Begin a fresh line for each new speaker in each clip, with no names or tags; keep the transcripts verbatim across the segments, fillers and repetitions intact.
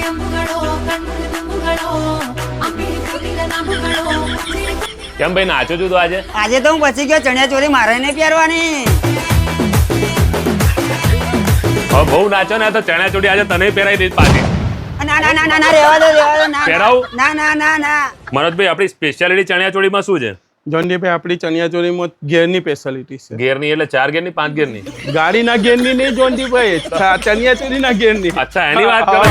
કેમ ભાઈ નાચો છું તો આજે?
આજે તો હું પછી ગયો ચણિયા ચોરી મારે નહીં પહેરવાની.
હવે બહુ નાચો ને તો ચણિયા ચોળી આજે તને પહેરાવી દઈશ પાછી.
ના ના ના ના ના રહેવા દો રહેવા દો ના
પહેરાવું?
ના ના ના ના.
મનોજભાઈ આપણી સ્પેશિયાલિટી ચણિયા ચોળીમાં શું છે?
જોનડીભાઈ આપણી ચણિયાચોળીમાં ગેરની સ્પેશિયાલિટી છે.
ગેરની એટલે ચાર ગેરની પાંચ ગેરની?
ગાડીના ગેરની નહીં જોનડીભાઈ, ચણિયાચોળીના ગેરની.
અચ્છા એની વાત કરો.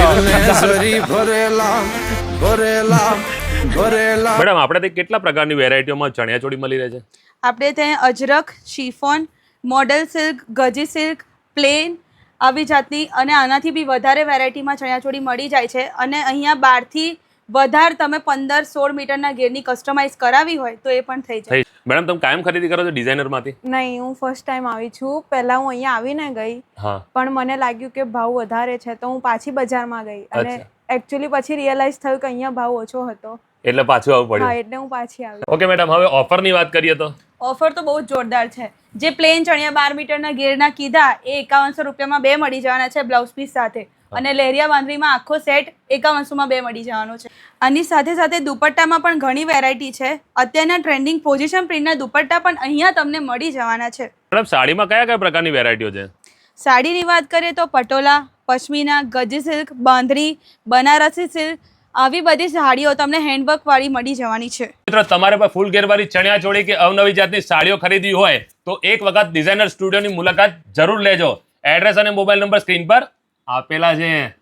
મેડમ આપણે ત્યાં કેટલા પ્રકારની વેરાયટીઓમાં ચણિયા ચોળી મળી રહે છે?
આપણે ત્યાં Ajrak, chiffon, model silk, Gaji silk, plain આવી જાતની અને આનાથી બી વધારે વેરાયટીમાં ચણિયાચોળી મળી જાય છે. અને અહીંયા બારથી વધારે તમે પંદર સોળ મીટરના ઘેરની કસ્ટમાઇઝ કરાવી હોય તો એ પણ થઈ જાય.
મેડમ તમે કાયમ ખરીદી કરો છો ડિઝાઇનરમાંથી?
નહીં, હું ફર્સ્ટ ટાઈમ આવી છું. પહેલા હું અહીંયા આવીને ગઈ, પણ મને લાગ્યું કે ભાવ વધારે છે તો હું પાછી બજારમાં ગઈ અને એકચ્યુઅલી પછી રિયલાઇઝ થયું કે અહીંયા ભાવ ઓછો હતો
એટલે પાછું આવવું પડ્યું.
હા, એટલે હું પાછી આવી.
ઓકે મેડમ, હવે ઓફરની વાત કરીએ તો?
ઓફર તો બહુ જ જોરદાર છે. જે પ્લેન ચણિયા બાર મીટરના ઘેરના કીધા એ એકાવનસો રૂપિયામાં બે મળી જવાના છે બ્લાઉઝ પીસ સાથે. અને લેરિયા બાંધણીમાં આખો સેટ એકાવનસોમાં બે મળી જવાનો છે. આની સાથે સાથે દુપટ્ટામાં પણ ઘણી વેરાયટી છે. અત્યારના ટ્રેન્ડિંગ પોઝિશન પ્રિન્ટના દુપટ્ટા પણ અહીંયા તમને મળી જવાના છે.
મેડમ સાડીમાં કયા કયા પ્રકારની વેરાયટીઓ છે?
સાડીની વાત કરીએ તો પટોલા, પશ્મિના, ગજી સિલ્ક, બાંધણી, બનારસી સિલ્ક આવી બધી સાડીઓ તમને હેન્ડવર્ક વાળી મળી જવાની છે.
મિત્રો તમારે પર ફૂલ ઘેરવાળી ચણિયા ચોળી કે અવનવી જાતની સાડીઓ ખરીદવી હોય તો એક વખત ડિઝાઇનર સ્ટુડિયોની મુલાકાત જરૂર લેજો. એડ્રેસ અને મોબાઈલ નંબર સ્ક્રીન પર આપેલા છે.